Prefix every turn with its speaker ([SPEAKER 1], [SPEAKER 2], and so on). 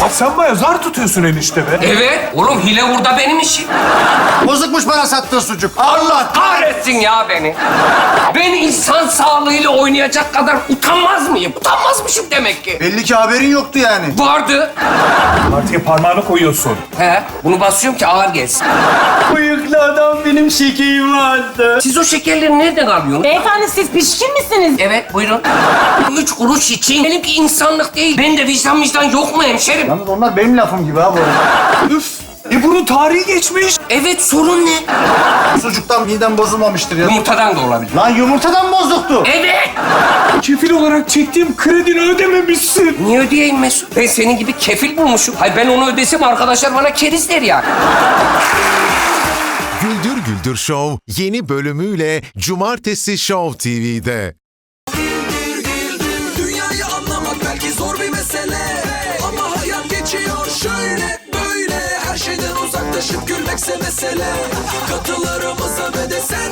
[SPEAKER 1] Sen bayağı zar tutuyorsun enişte be.
[SPEAKER 2] Evet. Oğlum hile burada benim işim.
[SPEAKER 3] Bozukmuş bana sattığı sucuk.
[SPEAKER 2] Allah kahretsin ya beni. Ben insan sağlığıyla oynayacak kadar utanmaz mıyım? Utanmazmışım demek ki.
[SPEAKER 3] Belli ki haberin yoktu yani.
[SPEAKER 2] Vardı.
[SPEAKER 1] Artıya parmağını koyuyorsun.
[SPEAKER 2] He, bunu basıyorum ki ağır gelsin.
[SPEAKER 1] Bıyıklı adam benim şekerim vardı.
[SPEAKER 2] Siz o şekerleri nereden alıyorsunuz?
[SPEAKER 4] Beyefendi siz pişkin misiniz?
[SPEAKER 2] Evet, buyurun. 3 kuruş için benimki insanlık değil. Ben de vicdan yok mu hemşerim?
[SPEAKER 3] Yalnız onlar benim lafım gibi ha bu arada.
[SPEAKER 1] Üf. Bunun tarihi geçmiş.
[SPEAKER 2] Evet, sorun ne?
[SPEAKER 3] Sucuktan midem bozulmamıştır ya.
[SPEAKER 2] Yumurtadan da olabilir.
[SPEAKER 3] Lan yumurtadan bozuktu.
[SPEAKER 2] Evet.
[SPEAKER 1] Kefil olarak çektiğim kredini ödememişsin.
[SPEAKER 2] Niye ödeyeyim Mesut? Ben senin gibi kefil bulmuşum. Hayır, ben onu ödesem arkadaşlar bana keriz der ya.
[SPEAKER 5] Güldür Güldür Show yeni bölümüyle Cumartesi Show TV'de.
[SPEAKER 6] Dünyayı anlamak belki zor bir mesele, ama hayat geçiyor şöyle böyle. Her şeyden uzaklaşıp gülmekse mesele. Katılarımıza ve de sen